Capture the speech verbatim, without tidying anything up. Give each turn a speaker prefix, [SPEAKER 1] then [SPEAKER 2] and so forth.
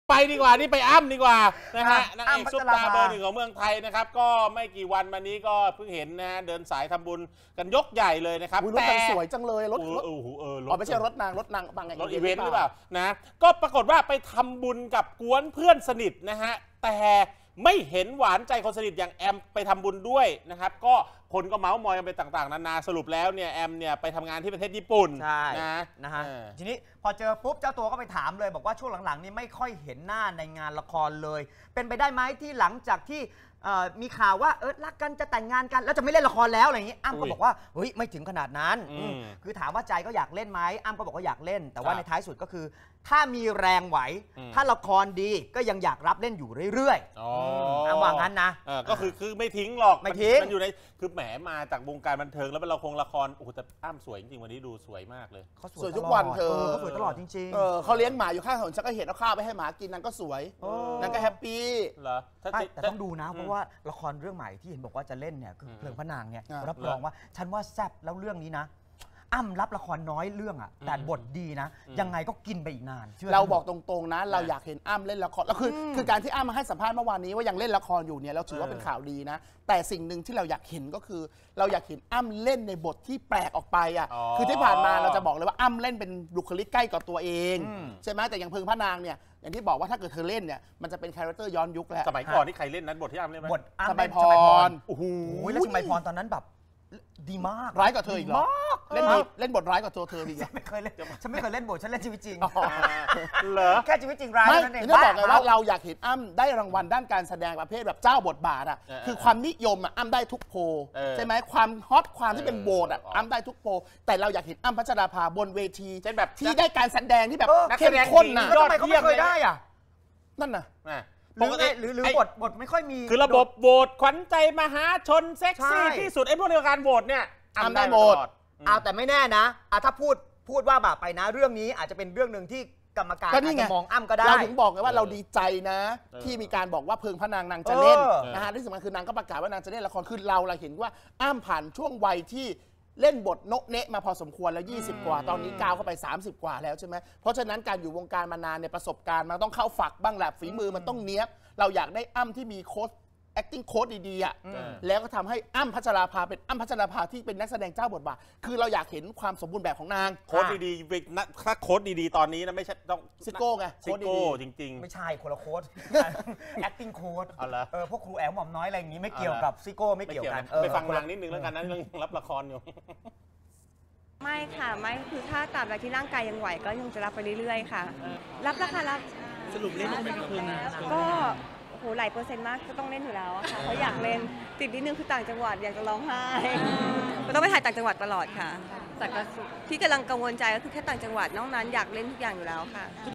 [SPEAKER 1] ไปดีกว่านี่ไปอ้ำดีกว่านะฮะนางเอกซุปตาเบอร์หนึ่งของเมืองไทยนะครับก็ไม่กี่วันมานี้ก็เพิ่งเห็นนะฮะเดินสายทำบุญกันยกใหญ่เลยนะครับ
[SPEAKER 2] รถกันสวยจังเลยรถรถ
[SPEAKER 1] เออเออร
[SPEAKER 2] ถไม่ใช่รถนางรถนางบางไง
[SPEAKER 1] รถอีเวนต์หรือเปล่านะก็ปรากฏว่าไปทำบุญกับกวนเพื่อนสนิทนะฮะแต่ไม่เห็นหวานใจคนสนิทอย่างแอมไปทำบุญด้วยนะครับก็คนก็เมาส์มอยกันไปต่างๆนานาสรุปแล้วเนี่ยแอมเนี่ยไปทำงานที่ประเทศญี่ปุ่น
[SPEAKER 3] ใช่
[SPEAKER 1] นะ
[SPEAKER 3] นะฮะทีนี้พอเจอปุ๊บเจ้าตัวก็ไปถามเลยบอกว่าช่วงหลังๆนี่ไม่ค่อยเห็นหน้าในงานละครเลยเป็นไปได้ไหมที่หลังจากที่มีข่าวว่าเออรักกันจะแต่งงานกันแล้วจะไม่เล่นละครแล้วอะไรอย่างนี้อ้ำก็บอกว่าเฮ้ยไม่ถึงขนาดนั้นคือถามว่าใจก็อยากเล่นไหมอ้ำก็บอกว่าอยากเล่นแต่ว่าในท้ายสุดก็คือถ้ามีแรงไหวถ้าละครดีก็ยังอยากรับเล่นอยู่เรื่อยๆอ้ำว่างั้นนะ
[SPEAKER 1] ก็คือคือไม่ทิ้งหรอก
[SPEAKER 3] ไม่ทิ้ง
[SPEAKER 1] มันอยู่ในคือแหมมาจากวงการบันเทิงแล้วเป็นละครละครโอ้โหแต่อ้ำสวยจริงๆวันนี้ดูสวยมากเลย
[SPEAKER 2] เขาสวยทุกวันเธอ
[SPEAKER 3] เขาสวยตลอดจริง
[SPEAKER 2] ๆเขาเลี้ยงหมาอยู่ข้างถนนฉันก็เห็นเอาข้าวไปให้หมากินนางก็สวยนางก็แฮปปี้
[SPEAKER 1] เหรอ
[SPEAKER 3] แต่ต้องดูนะเพราะว่าละครเรื่องใหม่ที่เห็นบอกว่าจะเล่นเนี่ยคือเพลิงพระนางเนี่ยรับรองว่าฉันว่าแซ่บแล้วเรื่องนี้นะอ้ำรับละครน้อยเรื่องอ่ะแต่บทดีนะยังไงก็กินไปอีกนาน
[SPEAKER 2] เราบอกตรงๆนะเราอยากเห็นอ้ำเล่นละครแล้วคือคือการที่อ้ำมาให้สัมภาษณ์เมื่อวานนี้ว่ายังเล่นละครอยู่เนี่ยเราถือว่าเป็นข่าวดีนะแต่สิ่งหนึ่งที่เราอยากเห็นก็คือเราอยากเห็นอ้ำเล่นในบทที่แปลกออกไปอ่ะคือที่ผ่านมาเราจะบอกเลยว่าอ้ำเล่นเป็นบุคลิกใกล้กับตัวเองใช่ไหมแต่อย่างเพลิงพระนางเนี่ยอย่างที่บอกว่าถ้าเกิดเธอเล่นเนี่ยมันจะเป็นคาแรคเตอร์ย้อนยุคแล้ว
[SPEAKER 1] สมัยก่อนที่ใครเล่นนั้นบทที่อ้ำเล่นไหม
[SPEAKER 3] บทอ้ำ
[SPEAKER 2] สมัยพร
[SPEAKER 3] โอ้โหแล้วสมัยพรตอนนั้นแบบดีมาก
[SPEAKER 2] ร้ายกว่าเธออีกเหรอเล่นเล่นบทร้ายกว่าตัวเธออีก
[SPEAKER 3] ไม่เคยเล่นฉันไม่เคยเล่นบทฉันเล่นชีวิตจริง
[SPEAKER 1] เหรอ
[SPEAKER 3] แค่ชีวิตจริงร้ายนั่นเอง
[SPEAKER 2] ไม่บอกเลยว่าเราอยากเห็นอ้ำได้รางวัลด้านการแสดงประเภทแบบเจ้าบทบาทอ่ะคือความนิยมอ่ะอ้ำได้ทุกโพใช่ไหมความฮอตความที่เป็นโบสอ่ะอ้ำได้ทุกโพแต่เราอยากเห็นอ้ำพัชราภาบนเวทีเช่นแบบที่ได้การแสดงที่แบบเข้มข้นน่ะ
[SPEAKER 3] ทำไมเขาไม่เคยได้อ่ะ
[SPEAKER 2] นั่นน่ะ
[SPEAKER 3] ปกติหรือหรือบทบทไม่ค่อยมี
[SPEAKER 1] คือระบบโหวตขวัญใจมหาชนเซ็กซี่ที่สุดไอ้พวกในการโหวตเนี่ย
[SPEAKER 2] อ้ำได้หมด
[SPEAKER 3] เอาแต่ไม่แน่นะถ้าพูดพูดว่าแบบไปนะเรื่องนี้อาจจะเป็นเรื่องหนึ่งที่กรรมการอาจจะมองอ้ำก็ได้
[SPEAKER 2] เราถึงบอกไงว่าเราดีใจนะที่มีการบอกว่าเพลิงพระนางนางจะเล่นนะฮะที่สำคัญคือนางก็ประกาศว่านางจะเล่นละครคือเราเราเห็นว่าอ้ำผ่านช่วงวัยที่เล่นบทโนะเนะมาพอสมควรแล้วยี่สิบกว่าตอนนี้ก้าวเข้าไปสามสิบกว่าแล้วใช่ไหมเพราะฉะนั้นการอยู่วงการมานานในประสบการณ์มันต้องเข้าฝักบ้างแหละฝีมือมันต้องเนี้ยบเราอยากได้อ้ำที่มีโค้ชacting coach ดีๆอ่ะแล้วก็ทำให้อ้ำพัชราภาเป็นอ้ำพัชราภาที่เป็นนักแสดงเจ้าบทบาทคือเราอยากเห็นความสมบูรณ์แบบของนาง
[SPEAKER 1] โค้ชดีๆถ้าโค้ชดีๆตอนนี้นะไม่ใช่ต้อง
[SPEAKER 2] ซิโก้ไง
[SPEAKER 1] ซิโก้จริงๆ
[SPEAKER 3] ไม่ใช่คนละโค้ช acting coach
[SPEAKER 1] เอาละ
[SPEAKER 3] เออพวกครูแอลหม่อมน้อยอะไรอย่างนี้ไม่เกี่ยวกับซิโก้ไม่เกี่ยวกัน
[SPEAKER 1] ไปฟังนางนิดนึงแล้วกันนะเรื่องรับละครอยู่
[SPEAKER 4] ไม่ค่ะไม่คือถ้าตราบใดที่ร่างกายยังไหวก็ยังจะรับไปเรื่อยๆค่ะรับราคารับ
[SPEAKER 1] สรุปเล่นไม่ได้คืน
[SPEAKER 4] ก็โหหลายเปอร์เซ็นต์มากก็ต้องเล่นอยู่แล้วค่ะเพราะอยากเล่นติดนิดนึงคือต่างจังหวัดอยากจะร้องไห้ก็ต้องไปถ่ายต่างจังหวัดตลอดค่ะแต่ที่กำลังกังวลใจก็คือแค่ต่างจังหวัดนอกนั้นอยากเล่นทุกอย่างอยู่แล้วค่ะ